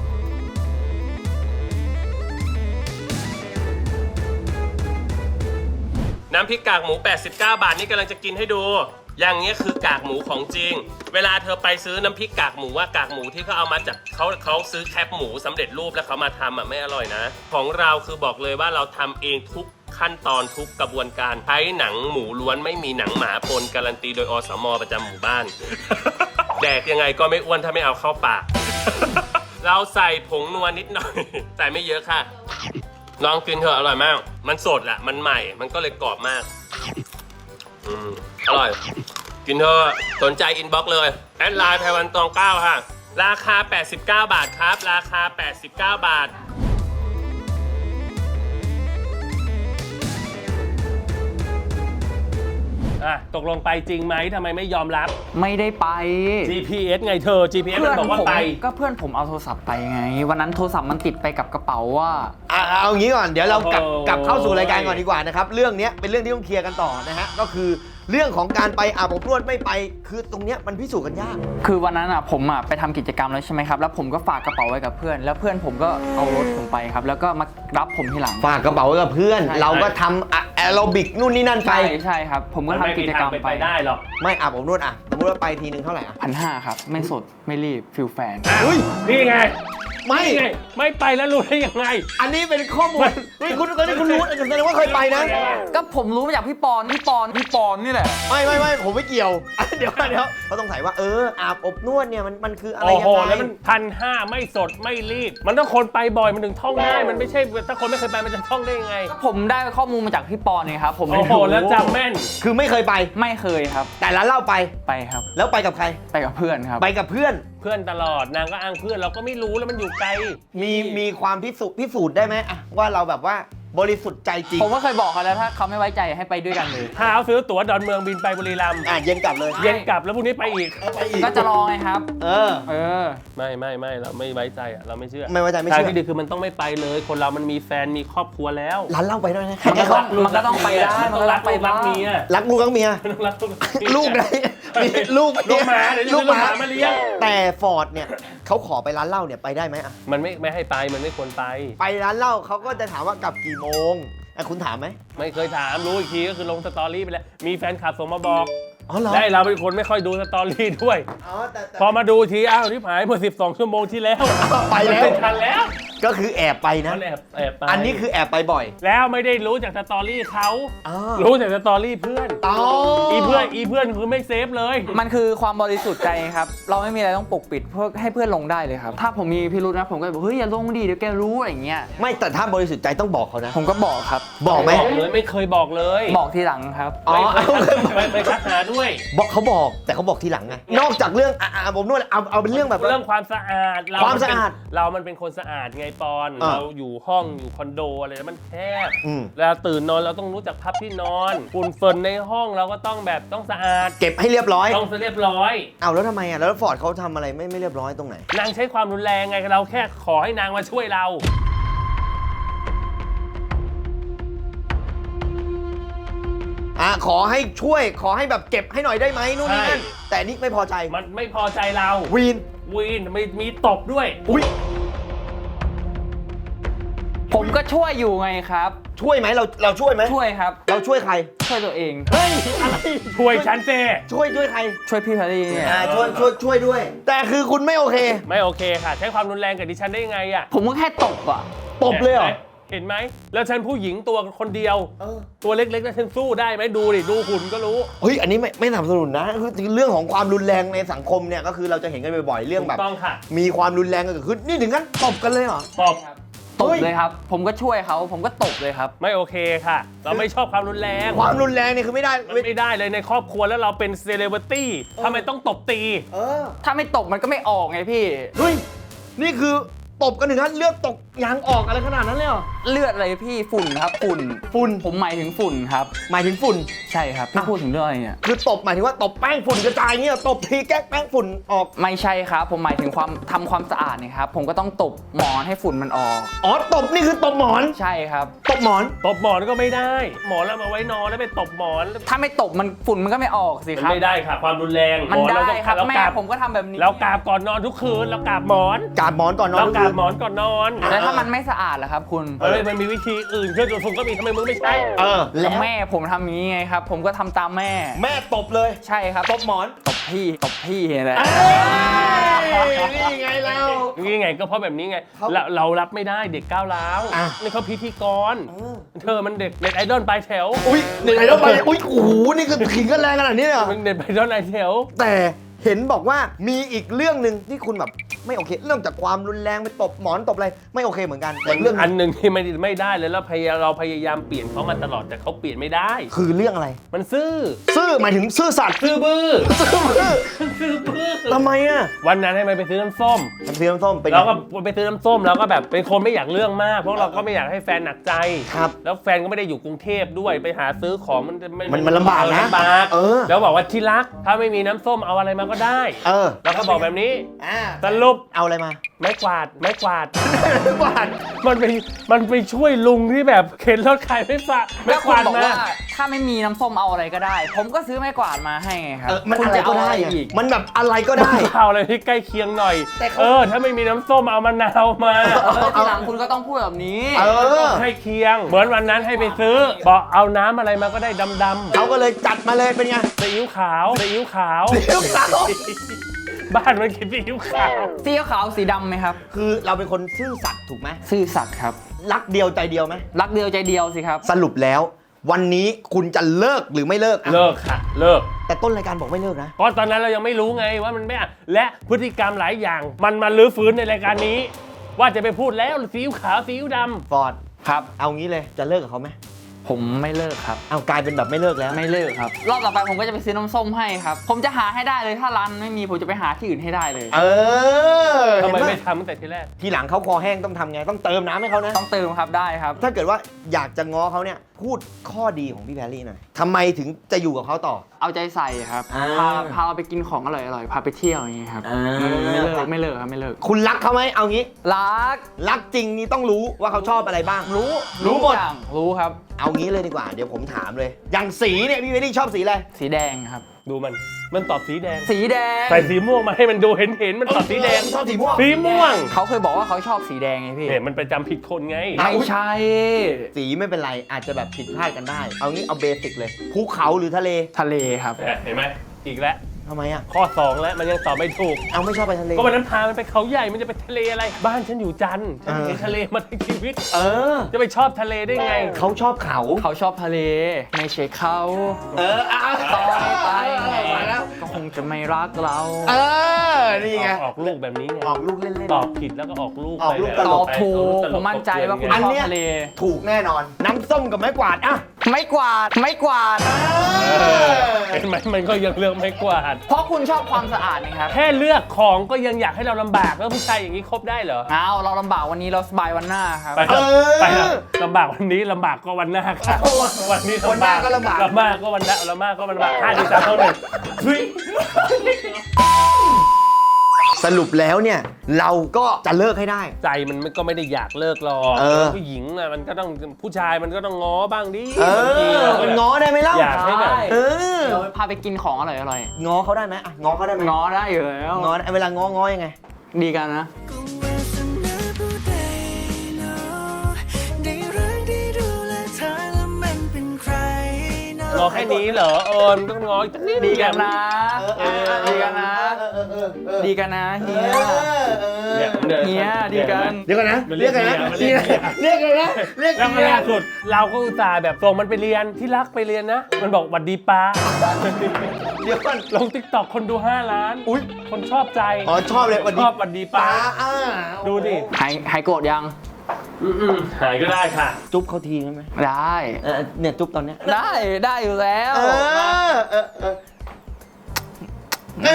[SPEAKER 1] น้ำพริกกากหมูแปดสิบเก้าบาทนี่กำลังจะกินให้ดู อย่างเงี้ยคือกากหมูของจริง เวลาเธอไปซื้อน้ำพริกกากหมูว่ากากหมูที่เขาเอามาจากเขาเขาซื้อแคปหมูสำเร็จรูปแล้วเขามาทำอ่ะไม่อร่อยนะ ของเราคือบอกเลยว่าเราทำเองทุกขั้นตอนทุกกระบวนการใช้หนังหมูล้วนไม่มีหนังหมาปนการันตีโดยอสมประจำหมู่บ้าน แดกยังไงก็ไม่อ้วนถ้าไม่เอาเข้าปาก เราใส่ผงนัวนิดหน่อย ใส่ไม่เยอะค่ะ ลองกินเถอะอร่อยมาก มันสดแหละมันใหม่ มันก็เลยกรอบมาก อืมอร่อย กินเถอะสนใจอินบ็อกซ์เลย แอดไลน์ไพวันตองเก้าค่ะ ราคา แปดสิบเก้า บาทครับ ราคา แปดสิบเก้า บาท อ่ะ ตกลงไปจริงไหมทำไมไม่ยอมรับ
[SPEAKER 2] ไม่ได้ไป
[SPEAKER 1] จี พี เอส ไงเธอ จี พี เอส มันบอกว่า
[SPEAKER 2] ผม
[SPEAKER 1] ไป
[SPEAKER 2] ก็เพื่อนผมเอาโทรศัพท์ไปไง วันนั้นโทรศัพท์มันติดไปกับกระเป๋าว่า
[SPEAKER 3] อ่ะเอางี้ก่อนเดี๋ยวเรากลับ
[SPEAKER 1] โอ้โห
[SPEAKER 3] กลับเข้าสู่รายการก่อนดีกว่านะครับเรื่องเนี้ยเป็นเรื่องที่ต้องเคลียร์กันต่อนะฮะก็คือเรื่องของการไปอาบอบนวดไม่ไป คือตรงเนี้ยมันพิสูจน์กันยาก
[SPEAKER 2] คือวันนั้นอ่ะผมอ่ะไปทำกิจกรรมแล้วใช่ไหมครับ แล้วผมก็ฝากกระเป๋าไว้กับเพื่อน แล้วเพื่อนผมก็เอารถผมไปครับ แล้วก็มารับผมทีหลัง
[SPEAKER 3] ฝากกระเป๋าไว้กับเพื่อน
[SPEAKER 2] ใช่
[SPEAKER 3] เราก็ทำอะแอโรบิกนู่นนี่นั่นไป
[SPEAKER 2] ใช่ใช่ครับ ผมก็
[SPEAKER 1] มัน
[SPEAKER 2] ทำ
[SPEAKER 1] ไม่
[SPEAKER 2] กิ
[SPEAKER 1] มี
[SPEAKER 2] จกร
[SPEAKER 1] ทาร ง
[SPEAKER 2] ม
[SPEAKER 1] เป็น
[SPEAKER 2] ไป
[SPEAKER 1] ไปได้หรอก
[SPEAKER 3] ไม่อาบอบนวดอ่ะสมมติว่าไปทีนึงเท่าไหร่อ่ะ
[SPEAKER 2] พันห้าครับ ไม่สดไม่รีบฟิลแฟน
[SPEAKER 3] อุ้ย
[SPEAKER 1] นี่ไง
[SPEAKER 3] ไม่
[SPEAKER 1] นี่ไง ไม่ไปแล้วรู้ได้ยังไง
[SPEAKER 3] อันนี้เป็นข้อมูลเฮ้ยคุณคุณคุณรู้แสดงว่าเคยไปนะ
[SPEAKER 2] ก็ผมรู้มาจากพี่ปอนพี่ปอนพี่ปอนนี่แหละ
[SPEAKER 3] ไม่ไม่ไม่ผมไม่เกี่ยว เดี๋ยวเดี๋ยวเขาต้องใส่ว่าเอออาบอบนวดเนี่ยมันมันคืออะไร
[SPEAKER 1] โอ้
[SPEAKER 3] ยั
[SPEAKER 1] โห
[SPEAKER 3] งไง
[SPEAKER 1] แล้วมันพันห้าไม่สดไม่รีบ มันต้องคนไปบ่อยมันถึงท่องได้ มันไม่ใช่ถ้าคนไม่เคยไปมันจะท่องได้ยังไง
[SPEAKER 2] ผมได้ข้อมูลมาจากพี่ปอนเองครับ ผมไม่
[SPEAKER 1] โอ้โห
[SPEAKER 2] รู้
[SPEAKER 1] แล้วจำแม่น
[SPEAKER 3] คือไม่เคยไป
[SPEAKER 2] ไม่เคยครับ
[SPEAKER 3] แต่ร้านเหล้าไป
[SPEAKER 2] ไปครับ
[SPEAKER 3] แล้วไปกับใคร
[SPEAKER 2] ไปกับเพื่อนครับ
[SPEAKER 3] ไปกับเพื่อน
[SPEAKER 1] เพื่อนตลอดนางก็อ้างเพื่อนเราก็ไม่รู้แล้วมันอยู่ไกล
[SPEAKER 3] มีมีความพิสูจน์พิสูจน์ได้ไหมอะว่าเราแบบว่าบริสุทธิ์ใจจริง
[SPEAKER 2] ผมก็เคยบอกเขาแล้วถ้าเขาไม่ไว้ใจให้ไปด้วยกันเลย
[SPEAKER 1] ถ้าเอาซื้อตั๋วดอนเมืองบินไปบุรีรัมย์
[SPEAKER 3] อ่ะเย็นกลับเลย
[SPEAKER 1] เย็นกลับแล้วพรุ่งนี้ไปอีก
[SPEAKER 3] เอาไปอีก
[SPEAKER 2] ก็จะรอไงครับ
[SPEAKER 3] เออ
[SPEAKER 2] เออ
[SPEAKER 1] ไม่ไม่ไม่เราไม่ไว้ใจอ่ะเราไม่เชื่อ
[SPEAKER 3] ไม่ไว้ใจไม่
[SPEAKER 1] ทาง
[SPEAKER 3] เชื่อ
[SPEAKER 1] ที่ดีคือมันต้องไม่ไปเลย คนเรามันมีแฟนมีครอบครัวแล้ว
[SPEAKER 3] ร้านเหล้าไปด้วยนะ
[SPEAKER 2] มันก็ต้องมันก็ต้องไปได้
[SPEAKER 1] มันต้องรัก
[SPEAKER 2] ไป
[SPEAKER 1] ลูกรัก
[SPEAKER 2] บ้าง
[SPEAKER 1] เมีย
[SPEAKER 3] รักลูกรักเมีย
[SPEAKER 1] มันต้องรักลูกรักเมีย
[SPEAKER 3] ลูกไหนมีลูก
[SPEAKER 1] ลูกหมาเดี๋ยวจะ
[SPEAKER 3] ลู
[SPEAKER 1] ซื้
[SPEAKER 3] ก
[SPEAKER 1] อ
[SPEAKER 3] ห
[SPEAKER 1] ลูก
[SPEAKER 3] มา
[SPEAKER 1] หมามาเลี้ยง
[SPEAKER 3] แต่ฟอร์ดเนี่ยเขาขอไปร้านเหล้าเนี่ยไปได้ไหมอะ
[SPEAKER 1] มันไม่ไม่ให้ไปมันไม่ควรไป
[SPEAKER 3] ไปร้านเหล้าเขาก็จะถามว่ากลับกี่โมงอ่ะคุณถามไหม
[SPEAKER 1] ไม่เคยถามรู้อีกทีก็คือลงสตอรี่ไปแล้วมีแฟนคลับส่งมาบอก
[SPEAKER 3] อ๋อเหรอ
[SPEAKER 1] และเราเป็นคนไม่ค่อยดูสตอรี่ด้วย
[SPEAKER 3] อ๋อแต่แต่
[SPEAKER 1] พอมาดูทีอ้าวที่หายเมื่อสิบสองชั่วโมงที่แล้ว
[SPEAKER 3] ไปแล้ว
[SPEAKER 1] มันม่ทันแล้ว
[SPEAKER 3] ก็คือแอบไปนะ
[SPEAKER 1] มันแอบแอบไป
[SPEAKER 3] อันนี้คือแอบไปบ่อย
[SPEAKER 1] แล้วไม่ได้รู้จากสตอรี่เขา
[SPEAKER 3] อ๋อ
[SPEAKER 1] รู้จากสตอรี่เพื่อน
[SPEAKER 3] อ๋อ
[SPEAKER 1] อีเพื่อนอีเพื่อนคือไม่เซฟเลย
[SPEAKER 2] มันคือความบริสุทธิ์ใจครับ เราไม่มีอะไรต้องปกปิดเพื่อให้เพื่อนลงได้เลยครับ ถ้าผมมีพิรุธนะผมก็บอกเฮ้ยอย่าลงดิเดี๋ยวแกรู้อะไรอย่างเงี้ย
[SPEAKER 3] ไม่แต่ถ้าบริสุทธิ์ใจต้องบอกเขานะ
[SPEAKER 2] ผมก็บอกครับ
[SPEAKER 3] บอกไหม
[SPEAKER 1] บอกเลยไม่เคยบอกเลย
[SPEAKER 2] บอกทีหลังครับ
[SPEAKER 3] อ๋อ
[SPEAKER 1] ไม่เคยไม่เคยทักหาด้วย
[SPEAKER 3] บอกเขาบอกแต่เขาบอกทีหลังไงนอกจากเรื่องอ่ะอ่ะผมนวดเอาเอาเป็นเรื่องแบบ
[SPEAKER 1] เรื่องความสะอาดเร
[SPEAKER 3] ความสะอาด
[SPEAKER 1] เป็นเรามันเป็นคนสะอาดไงปอน
[SPEAKER 3] อ่า
[SPEAKER 1] เราอยู่ห้องอยู่คอนโดอะไรแล้วมันแคบ
[SPEAKER 3] อืม
[SPEAKER 1] เวลาตื่นนอนเราต้องรู้จักพับที่นอนฝุ่นเฟิร์นในห้องเราก็ต้องแบบต้องสะอาด
[SPEAKER 3] เก็บให้เรียบร้อย
[SPEAKER 1] ต้องเรียบร้อย
[SPEAKER 3] เอาแล้วทำไมอ่ะแล้วฟอร์ดเขาทำอะไรไม่ไม่เรียบร้อยตรงไหน
[SPEAKER 1] นางใช้ความรุนแรงไงเราแค่ขอให้นางมาช่วยเรา
[SPEAKER 3] อ่ะขอให้ช่วยขอให้แบบเก็บให้หน่อยได้ไหมนู่นนี่นั่น
[SPEAKER 1] ใช่
[SPEAKER 3] แต่นี่ไม่พอใจ
[SPEAKER 1] มันไม่พอใจเรา
[SPEAKER 3] วีน
[SPEAKER 1] วีนมีมีตบด้วย
[SPEAKER 3] อุ้ย
[SPEAKER 2] ผมก็ช่วยอยู่ไงครับ
[SPEAKER 3] ช่วยไหมเราเราช่วยไหม
[SPEAKER 2] ช่วยครับ
[SPEAKER 3] เราช่วยใคร
[SPEAKER 2] ช่วยตัวเอง
[SPEAKER 3] เฮ้ยอะไร
[SPEAKER 1] ช่วยฉันเจ
[SPEAKER 3] ช่วยช่วยใคร
[SPEAKER 2] ช่วยพี่แพรรี่เนี่ย
[SPEAKER 3] อ่าช่วยช่วยช่วยด้วย แต่คือคุณไม่โอเค
[SPEAKER 1] ไม่โอเคค่ะ ใช้ความรุนแรงกับดิฉันได้ยังไงอะ
[SPEAKER 2] ผมก็แค่ตบอ่ะ
[SPEAKER 3] ตบเลยเหรอ
[SPEAKER 1] เห็นไหมแล้วฉันผู้หญิงตัวคนเดียว
[SPEAKER 3] เออ
[SPEAKER 1] ตัวเล็กๆแล้วฉันสู้ได้ไหมดูดิดูหุ่นก็รู้
[SPEAKER 3] เฮ้ยอันนี้ไม่ไม่สนับสนุนนะคือเรื่องของความรุนแรงในสังคมเนี่ยก็คือเราจะเห็นกันบ่อยๆเรื่องแบบ
[SPEAKER 1] ถูกต้องค่ะ
[SPEAKER 3] มีความรุนแรงกันเกิดขึ้นนี่ถึงขั้นตบกันเลยเหรอ
[SPEAKER 1] ตบ
[SPEAKER 2] ตบ
[SPEAKER 3] เฮ้ย
[SPEAKER 2] เลยครับ ผมก็ช่วยเขาผมก็ตบเลยครับ
[SPEAKER 1] ไม่โอเคค่ะ เราไม่ชอบความรุนแรง
[SPEAKER 3] ความรุนแรงเนี่ยคือไม่ได้
[SPEAKER 1] มันไม่ได้เลยในครอบครัวแล้วเราเป็นเซเลบริตี้ทำไมต้องตบตี
[SPEAKER 3] เออ
[SPEAKER 2] ถ้าไม่ตบมันก็ไม่ออกไงพี่
[SPEAKER 3] เฮ้ยนี่คือตบกันถึงขั้นเลือดตกยางออกอะไรขนาดนั้นเลยเหรอ
[SPEAKER 2] เลือดอะไรพี่ฝุ่นครับฝุ่น
[SPEAKER 3] ฝุ่น
[SPEAKER 2] ผมหมายถึงฝุ่นครับ
[SPEAKER 3] หมายถึงฝุ่น
[SPEAKER 2] ใช่ครับพี่พูดถึงเรื่องอะไรเนี่ย
[SPEAKER 3] คือตบหมายถึงว่าตบแป้งฝุ่นกระจายเงี้ยตบทีแก๊กแป้งฝุ่นออก
[SPEAKER 2] ไม่ใช่ครับ ผมหมายถึงความทำความสะอาดเนี่ยครับ ผมก็ต้องตบหมอนให้ฝุ่นมันออก
[SPEAKER 3] อ๋อตบนี่คือตบหมอน
[SPEAKER 2] ใช่ครับ
[SPEAKER 3] ตบหมอน
[SPEAKER 1] ตบหมอนก็ไม่ได้ หมอนเรามาไว้นอนแล้วไปตบหมอน
[SPEAKER 2] ถ้าไม่ตบมันฝุ่นมันก็ไม่ออกสิ
[SPEAKER 1] มัน
[SPEAKER 2] ครับ
[SPEAKER 1] ไม่ได้ค่ะ ความรุนแรง
[SPEAKER 2] มัน
[SPEAKER 1] หอ
[SPEAKER 2] ได้
[SPEAKER 1] เราต้อง
[SPEAKER 2] ครับ
[SPEAKER 1] เรา
[SPEAKER 2] แม่
[SPEAKER 1] กราบ
[SPEAKER 2] ผมก็ทำแบบนี้
[SPEAKER 1] เรากราบก่อนนอนทุกคืนเรากราบหมอน
[SPEAKER 3] กาดหมอนก่อนนอน
[SPEAKER 1] เรา
[SPEAKER 3] ทุก
[SPEAKER 1] กรา
[SPEAKER 3] คื
[SPEAKER 1] บ
[SPEAKER 3] น
[SPEAKER 1] หมอนก่อนนอน
[SPEAKER 2] แล้วถ้ามันไม่สะอาดล่ะครับคุณ
[SPEAKER 1] เฮ้ยมันมีวิธีอื่นเครื่องดูดฝุ่นก็มีทำไมมึงไม่ใช้
[SPEAKER 3] เออ
[SPEAKER 2] แล้วแม่ผมทำอย่างนี้ไงครับ ผมก็ทำตามแม่
[SPEAKER 3] แม่ตบเลย
[SPEAKER 2] ใช่ครับ
[SPEAKER 3] ตบหมอน
[SPEAKER 2] ตบพี่ตบพี่แหละ
[SPEAKER 3] เอ้ยนี่ไงเรา
[SPEAKER 1] นี่ไงก็เพราะแบบนี้ไง
[SPEAKER 3] เขา
[SPEAKER 1] เราเรารับไม่ได้เด็กก้าวร้าว
[SPEAKER 3] อ่ะ
[SPEAKER 1] นี่เขาพิธีกร
[SPEAKER 3] เออ
[SPEAKER 1] เธอมันเด็กเน็ตไอดอลปลายแถว
[SPEAKER 3] อุ้ยไหนๆแล้วไปอุ้ยโอ้โหนี่คือขิงกันแรงขนาดนี้เลยเหรอ
[SPEAKER 1] มันเน็ตไอดอลปลายแถว
[SPEAKER 3] แต่เห็นบอกว่ามีอีกเรื่องหนึ่งที่คุณแบบไม่โอเค เรื่องจากความรุนแรงไปตบหมอนตบอะไรไม่โอเคเหมือนกันแต่เรื่อง
[SPEAKER 1] อันหนึ่งที่ไม่ไม่ได้เลยแล้วพยายามเราพยายามเปลี่ยนเขามาตลอดแต่เขาเปลี่ยนไม่ได้
[SPEAKER 3] คือเรื่องอะไร
[SPEAKER 1] มันซื่อ
[SPEAKER 3] ซื่อหมายถึงซื่อสัตย์
[SPEAKER 1] ซื่อบื้อ
[SPEAKER 3] ซื่อบื้อ
[SPEAKER 1] ซื่อบื้อ
[SPEAKER 3] ทำไมอ่ะ
[SPEAKER 1] วันนั้นให้มันไปซื้อน้ำส้ม
[SPEAKER 3] น้ำซีน้ำส้มเป็นไง
[SPEAKER 1] เราก็ไปซื้อน้ำส้มแล้วก็แบบเป็นคนไม่อยากเรื่องมาก เพราะเราก็ไม่อยากให้แฟนหนักใจ
[SPEAKER 3] ครับ
[SPEAKER 1] แล้วแฟนก็ไม่ได้อยู่กรุงเทพด้วยไปหาซื้อของมันจะ
[SPEAKER 3] มันมันลำบากนะ
[SPEAKER 1] ลำบาก
[SPEAKER 3] เออ
[SPEAKER 1] แล้วบอกว่าที่รักถ้าไม่มีน้ำส้มเอาอะไรมาก็ได้
[SPEAKER 3] เออ
[SPEAKER 1] แล้วก็บอกแบบนี้
[SPEAKER 3] อ่า
[SPEAKER 1] สรุป
[SPEAKER 3] เอาอะไรมา
[SPEAKER 1] ไม้กวาดไม้กวาด
[SPEAKER 3] หวาน
[SPEAKER 1] มันไปมันไปช่วยลุงที่แบบเข็นรถขายไม่ฝาไม้
[SPEAKER 2] แล้ว
[SPEAKER 1] ก
[SPEAKER 2] คุณ
[SPEAKER 1] วาด
[SPEAKER 2] บอก
[SPEAKER 1] มา
[SPEAKER 2] ว่าถ้าไม่มีน้ำส้มเอาอะไรก็ได้ ผมก็ซื้อไม้กวาดมาให้ไงครับ
[SPEAKER 3] เออมัน
[SPEAKER 2] คุณ
[SPEAKER 3] อะไร
[SPEAKER 2] จะ
[SPEAKER 3] ก็
[SPEAKER 2] เอา
[SPEAKER 3] ได้
[SPEAKER 2] อะไร
[SPEAKER 3] อะ
[SPEAKER 2] อีก
[SPEAKER 3] มันแบบอะไรก็ได้
[SPEAKER 1] เอาอะไรที่ใกล้เคียงหน่อย
[SPEAKER 3] แต่เขา
[SPEAKER 1] เออ ถ้าไม่มีน้ำส้มเอามะนาวมา
[SPEAKER 2] เออทีหลังคุณก็ต้องพูดแบบนี้
[SPEAKER 3] เออ
[SPEAKER 1] ให้เคียง เหมือนวันนั้นให้ไปซื้อ บอกเอาน้ำอะไรมาก็ได้ดำ
[SPEAKER 3] เขาก็เลยจัดมาเลยเป็นไง
[SPEAKER 1] ๆซีอิ๊วขาวซีอิ๊วขาว
[SPEAKER 3] ซีอิ๊วขาว
[SPEAKER 1] บ้านมันกินซีอิ๊วขาว
[SPEAKER 2] สีขาวสีดำไหมครับ
[SPEAKER 3] คือเราเป็นคนซื่อสัตย์ถูกไหม
[SPEAKER 2] ซื่อสัตย์ครับ
[SPEAKER 3] รักเดียวใจเดียวไหม
[SPEAKER 2] รักเดียวใจเดียวสิครับ
[SPEAKER 3] สรุปแล้ว วันนี้คุณจะเลิกหรือไม่เลิกอ่ะ
[SPEAKER 1] เลิกค่ะ เลิก
[SPEAKER 3] แต่ต้นรายการบอกไม่เลิกนะ
[SPEAKER 1] เพราะตอนนั้นเรายังไม่รู้ไงว่ามันไม่อ่ะและพฤติกรรมหลายอย่าง มันมาลื้อฟื้นในรายการนี้ ว่าจะไปพูดแล้วซีอิ๊วขาวซีอิ๊วดำ
[SPEAKER 3] ฟอร์ด
[SPEAKER 2] ครับ
[SPEAKER 3] เอางี้เลยจะเลิกกับเขาไหม
[SPEAKER 2] ผมไม่เลิกครับ
[SPEAKER 3] เอากลายเป็นแบบไม่เลิกแล้ว
[SPEAKER 2] ไม่เลิกครับ รอบต่อไปผมก็จะไปซื้อน้ำส้มให้ครับ ผมจะหาให้ได้เลยถ้าร้านไม่มีผมจะไปหาที่อื่นให้ได้เลย
[SPEAKER 3] เออ
[SPEAKER 1] ทำไม
[SPEAKER 3] เห็นปะ
[SPEAKER 1] ไม่ทำตั้งแต่ทีแรก
[SPEAKER 3] ทีหลังเขาคอแห้งต้องทำไงต้องเติมน้ำให้เขานะ
[SPEAKER 2] ต้องเติมครับได้ครับ
[SPEAKER 3] ถ้าเกิดว่าอยากจะง้อเขาเนี่ยพูดข้อดีของพี่แพรรี่หน่อยทำไมถึงจะอยู่กับเขาต่อ
[SPEAKER 2] เอาใจใส่ครับ
[SPEAKER 3] อ่า
[SPEAKER 2] พาพาเราไปกินของอร่อยๆ พาไปเที่ยวอย่างนี้ครับ
[SPEAKER 3] อ่า
[SPEAKER 2] ไม่เลิกไม่เลิกครับไม่เลิก
[SPEAKER 3] คุณรักเขาไหมเอางี้
[SPEAKER 2] รัก
[SPEAKER 3] รักจริงนี่ต้องรู้ว่าเขาชอบอะไรบ้าง
[SPEAKER 2] รู้
[SPEAKER 3] รู้หมด
[SPEAKER 2] ทุกอย่างรู้ครับ
[SPEAKER 3] เอางี้เลยดีกว่า เดี๋ยวผมถามเลย อย่างสีเนี่ยพี่แพรรี่ชอบสีอะไร
[SPEAKER 2] สีแดงครับ
[SPEAKER 1] ดูมันมันตอบสีแดง
[SPEAKER 2] สีแดง
[SPEAKER 1] ใส่สีม่วงมาให้มันดูเห็นเห็นมันตอบสีแดง
[SPEAKER 3] ชอบสีม่วง
[SPEAKER 1] สีม่วง
[SPEAKER 2] เขาเคยบอกว่าเขาชอบสีแดงไงพี่
[SPEAKER 1] เนี่ยมันไปจำผิดคนไง
[SPEAKER 2] ไม่ใช่
[SPEAKER 3] สีไม่เป็นไรอาจจะแบบผิดพลาดกันได้ เอางี้เอาเบสิกเลยภูเขาหรือทะเล
[SPEAKER 2] ทะเลครับ
[SPEAKER 1] เห็นไหมอีกแล้ว
[SPEAKER 3] ทำไมอ่ะ
[SPEAKER 1] ข้อสองแล้วมันยังตอบไม่ถูก
[SPEAKER 3] เอาไม่ชอบไปทะเล
[SPEAKER 1] ก็วันนั้นพามันไปเขาใหญ่มันจะไปทะเลอะไร บ้านฉันอยู่จันทร์ฉันเห็นทะเลมาทั้งชีวิต
[SPEAKER 3] เออ
[SPEAKER 1] จะไปชอบทะเลได้ไง
[SPEAKER 3] เขาชอบเขา
[SPEAKER 2] เขาชอบทะเลไม่ใช่เขา
[SPEAKER 3] เอออ่ะ
[SPEAKER 2] ต่อไป
[SPEAKER 3] ไปแล้ว
[SPEAKER 2] ก็คงจะไม่รักเรา
[SPEAKER 3] เออนี่ไง
[SPEAKER 1] ออกออกลูกแบบนี้ไง
[SPEAKER 3] ออกลูกเล่น
[SPEAKER 1] ตอบผิดแล้วก็ออกลูก
[SPEAKER 3] ออกลูก
[SPEAKER 1] ไป
[SPEAKER 3] ต
[SPEAKER 1] แว
[SPEAKER 3] ล
[SPEAKER 2] ตอบถูก
[SPEAKER 1] ตล
[SPEAKER 2] ผมมั่นใจว่าคุณ
[SPEAKER 3] อัน
[SPEAKER 2] ชอบ
[SPEAKER 3] เนี้ย
[SPEAKER 2] ทะเล
[SPEAKER 3] ๆถูกแน่นอน น้ำส้มกับไม้กวาดอ่ะ
[SPEAKER 2] ไม่กวาดไม่กวาด
[SPEAKER 1] เออเห็นไหมมันก็ยังเลือกไม่กวาด
[SPEAKER 2] เพราะคุณชอบความสะอาดนะครับ
[SPEAKER 1] แค่เลือกของก็ยังอยากให้เราลำบากแล้วผู้ชายอย่างนี้คบได้เหรอ
[SPEAKER 2] เอาเราลำบากวันนี้เราสบายวันหน้าครับ
[SPEAKER 1] ไปเถอะไปเถอะลำบากวันนี้ลำบากก็วันหน้าค่ะวันนี้
[SPEAKER 3] วันหน้าก็ลำบาก
[SPEAKER 1] ลำบากก็วันหน้าลำบากก็วันหน้าห้าสี่สามเท่าหนึ่งเฮ้ย
[SPEAKER 3] สรุปแล้วเนี่ย เราก็จะเลิกให้ได้
[SPEAKER 1] ใจมันก็ไม่ได้อยากเลิกหรอก
[SPEAKER 3] เออ
[SPEAKER 1] ผู้หญิงน่ะมันก็ต้องผู้ชายมันก็ต้องง้อบ้างดิ
[SPEAKER 3] เออมันง้อได้ไหมเล่า
[SPEAKER 1] อยากให้แบบ
[SPEAKER 2] ได้
[SPEAKER 3] เออ
[SPEAKER 2] เดี๋ยวพาไปกินของอร่อยอร่อย
[SPEAKER 3] ง้อเขาได้ไหมอ่ะง้อเขาได้ไหม
[SPEAKER 2] ง้อได้อยู่แล้ว
[SPEAKER 3] ง้อได้เวลาง้อง้อยังไง
[SPEAKER 2] ดีกันนะ
[SPEAKER 4] ก็วาสนาผู้ใดเนาะได้รักได้ดูแลเธอแล้วมันเป็นใครเนาะ
[SPEAKER 1] ง้อแค่นี้เหรอเออมันต้องง้ออีกสักนิด
[SPEAKER 2] ดีกันนะ
[SPEAKER 3] เออ
[SPEAKER 2] ดีกันนะ
[SPEAKER 3] เออเออเออเออ
[SPEAKER 2] ดีกันนะเฮีย
[SPEAKER 1] เนี่ยดี๋ว
[SPEAKER 2] เฮียดีกัน
[SPEAKER 3] เดี๋ยวก่อนนะ
[SPEAKER 1] มันเรี
[SPEAKER 3] เรีย
[SPEAKER 1] ย
[SPEAKER 3] ก
[SPEAKER 1] ก
[SPEAKER 3] กันนะ
[SPEAKER 1] เมียมันเรี
[SPEAKER 3] เรี
[SPEAKER 1] ย
[SPEAKER 3] ย
[SPEAKER 1] ก
[SPEAKER 3] กกันนะเรียก
[SPEAKER 1] แล้ว
[SPEAKER 3] เมีย
[SPEAKER 1] ล่าสุดเราก็อุตส่าห์แบบส่งมันไปเรียนที่รักไปเรียนนะ มันบอกหวัดดีป้า
[SPEAKER 3] เดี๋ยวก่อน
[SPEAKER 1] ลงติ๊กต็อกคนดูห้าล้าน
[SPEAKER 3] อุ๊ย
[SPEAKER 1] คนชอบใจ
[SPEAKER 3] อ๋อชอบเลยหวัดดี
[SPEAKER 1] ชอบหวัดดีป้า
[SPEAKER 3] อ่า
[SPEAKER 1] ดูดิ
[SPEAKER 2] หายหายโกรธยัง
[SPEAKER 1] อืมๆหายก็ได้ค่ะ
[SPEAKER 3] จุ๊บเขาทีได้ไหม
[SPEAKER 2] ได้
[SPEAKER 3] เออเนี่ยจุ๊บตอนเนี้ย
[SPEAKER 2] ได้ได้อยู่แล้ว
[SPEAKER 3] เออเออเออเอ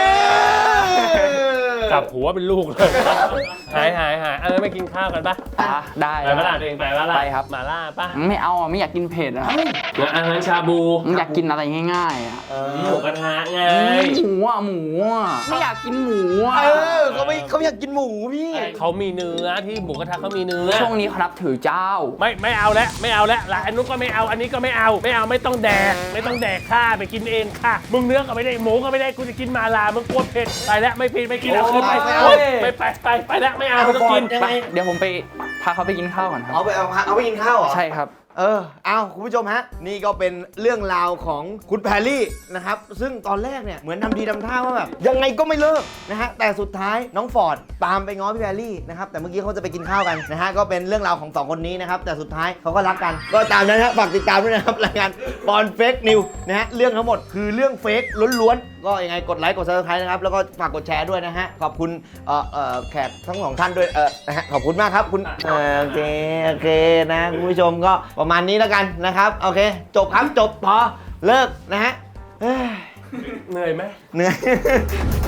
[SPEAKER 3] อ
[SPEAKER 1] จับหัวเป็นลูกเลยหายหายหายเออไม่กินข้าวกันปะ
[SPEAKER 2] อ่ะได้
[SPEAKER 1] ไปปะล่ะตัวเองไปปะล่ะ
[SPEAKER 2] ไปครับ
[SPEAKER 1] มาล่าปะ
[SPEAKER 2] ไม่เอาอ่ะไม่อยากกินเผ็ดอ่ะ
[SPEAKER 1] งั้นอาหารชาบู
[SPEAKER 2] อยากกินอะไรง่ายๆอ่ะ
[SPEAKER 1] หมูกระทะไง
[SPEAKER 2] หมูอ่ะหมูอ่ะไม่อยากกินหมูอ่ะ
[SPEAKER 3] เออเขาไม่เขาอยากกินหมูพี่
[SPEAKER 1] เขามีเนื้อที่หมูกระทะเขามีเนื้อ
[SPEAKER 2] ช่วงนี้เขานับถือเจ้า
[SPEAKER 1] ไม่ไม่เอาแล้วไม่เอาแล้วละอันนู้นก็ไม่เอาอันนี้ก็ไม่เอาไม่เอาไม่ต้องแดกไม่ต้องแดกข้าไปกินเองค่ะมึงเนื้อก็ไม่ได้หมูก็ไม่ได้กูจะกินมาลามึงกลัวเผ็ดไปแล้วไม่ผิดไม่กินเอาคืนไป
[SPEAKER 3] ไม่เอา
[SPEAKER 1] ไปไปไปไปแล้วไม่เอาไม่ต้องกิน
[SPEAKER 3] ยัง
[SPEAKER 2] ไป
[SPEAKER 3] ไง
[SPEAKER 2] เดี๋ยวผมไปพาเขาไปกินข้าวก่อนครับ
[SPEAKER 3] เอาไปเอาเอาไปกินข้าวเหรอ
[SPEAKER 2] ใช่ครับ
[SPEAKER 3] เออเอาคุณผู้ชมฮะ นี่ก็เป็นเรื่องราวของคุณแพรรี่นะครับ ซึ่งตอนแรกเนี่ย เหมือนทำทีทำท่าว่าแบบ ยังไงก็ไม่เลิกนะฮะ แต่สุดท้ายน้องฟอร์ดตามไปง้อพี่แพรรี่นะครับ แต่เมื่อกี้เขาจะไปกินข้าวกันนะฮะ ก็เป็นเรื่องราวของสองคนนี้นะครับ แต่สุดท้ายเขาก็รักกัน ก็ตามนั้นนะฝากติดตามด้วยนะครับ รายการบอลเฟกนิวนะฮะ เรื่องทั้งหมดคือเรื่องเฟกล้วนๆ ก็ยังไงกดไลค์กดซับสไครต์นะครับ แล้วก็ฝากกดแชร์ด้วยนะฮะ ขอบคุณเอ่อเอ่อแขกทั้งสองท่านด้วย เออนะฮะ ขอบคุณมากครับคุณเออโอเค โอเคนะคุณผู้ชมก็ประมาณนี้แล้วกันนะครับ โอเค จบครับ จบพอ เลิกนะฮะเฮ้ย
[SPEAKER 1] เหนื่อยไหม
[SPEAKER 3] เหนื่อย